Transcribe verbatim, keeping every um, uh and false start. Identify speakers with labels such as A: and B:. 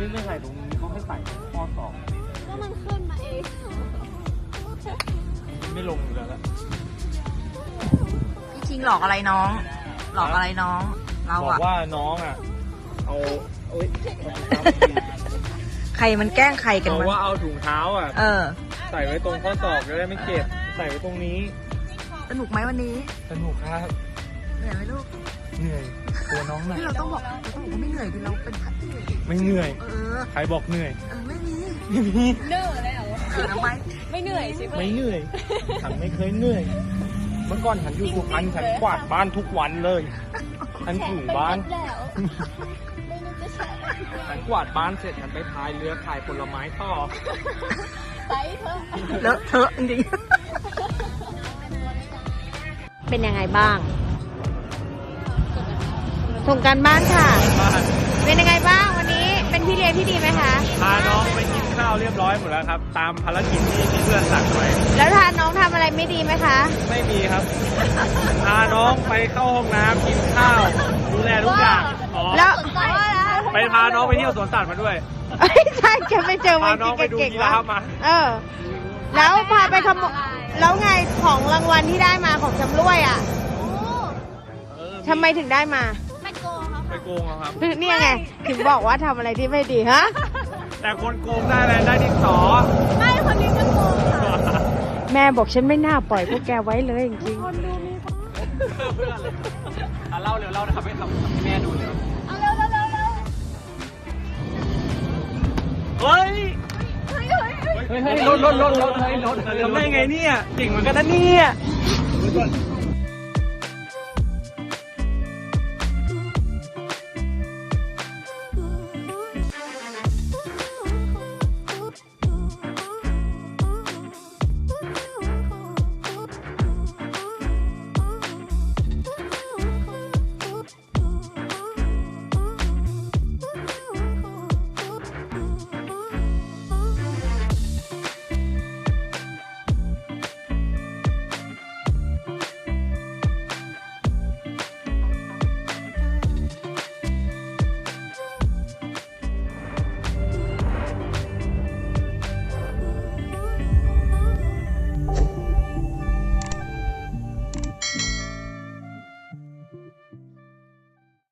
A: ไม่ไม่ใส่ตรงนี้เขาให้ใส่ข้อศอก
B: ก็มันขึ้นมาเอง
A: ไม่ลงอยู่แล้วละ
C: พี่คิงหลอกอะไรน้อง หลอกอะไรน้อง เรา
A: บอก
C: อะ
A: ว่าน้องอ่ะเอาเอ้ย
C: ใครมันแกล้งใครกัน
A: บอก
C: วะ
A: ว่าเอาถุงเท้าอ่ะ
C: เออ
A: ใส่ไว้ตรงข้อศอกจะได้ไม่เจ็บใส่ไว้ตรงนี้
C: สนุกไหมวันนี้
A: สนุกครับ
C: เหนื่อยไหมลูก
A: เหนื่อยตัวน้องหนัก
C: ที่เราต้องบอกเราต้องบอกว่าไม่เหนื่อยคือเราเป็นพัดที่
A: ไม่เหนื่อย
C: เออ
A: ใครบอกเหนื่อย
C: เออไม่มี
A: ไม่มี
B: เหนื่อยเลยเหรอ
C: เออทำไม
B: ไม่เหนื่อยใช่ไหม
A: ไม่เหนื่อยฉันไม่เคยเหนื่อย เมื่อก่อนฉันอยู่สุพรรณฉันกวาดบ้านทุกวันเลยฉันถูบ้าน
B: แล้วไม่นึกจะใช่
A: ฉันกวาดบ้านเสร็จฉันไปพายเรือขายผลไม้ต่อ
B: ไปเถอะ
C: เลอะเทอะจริง เป็นยังไงบ้าง ส่งการบ้านค่ะ
A: บ้าน
C: เป็นยังไงบ้างวันนี้ เป็นพี่เลี้ยงที่ดีไหมคะ
A: พาน้องไปกินข้าวเรียบร้อยหมดแล้วครับ ตามภารกิจที่ที่เพื่อนสั่งไว้
C: แล้วทานน้องทำอะไรไม่ดีไหมคะ
A: ไม่มีครับ พาน้องไปเข้าห้องน้ำกินข้าวดูแลทุกอย่างอ๋อ
C: แล้ว
A: ไปพาน้องไปเที่ยวสวนสัตว์มาด้วย
C: เอ้ยใช่แกไปเจอมั
A: พาน น้องไปดู
C: เก่ง
A: ยี
C: ๆ
A: รา
C: แล้ว
A: ฟมา
C: เออ แล้วพาไปขโมยแล้วไงของรางวัลที่ได้มาของชำร่วยอ่ะ
A: เออ
C: ทำไมถึงได้มา
B: ไม่โกงเขา
A: ไปโกงเอาครับ
C: เนี่ยไง ถึงบอกว่าทำอะไรที่ไม่ดีฮะ
A: แต่คนโกงได้อะไรได้ดินสอ
B: ไม่คนนี้ก็โกงค่ะ
C: แม่บอกฉันไม่น่าปล่อยพวกแกไว้เลยจริง
B: คนดูมีคน
A: เพื่อนเลยอ่ะเล่าเร็วเล่านะครับให้ทำให้แม่ดูเร็ว
B: เอาเร็วเร็วเร็วเร็ว
A: เฮ้ย
B: เฮ้ยเฮ้ยเฮ้ย
A: เฮ้ยรถรถรถรถเฮ้ยรถทำได้ไงเนี่ยเก่งเหมือนกันนะเนี่ย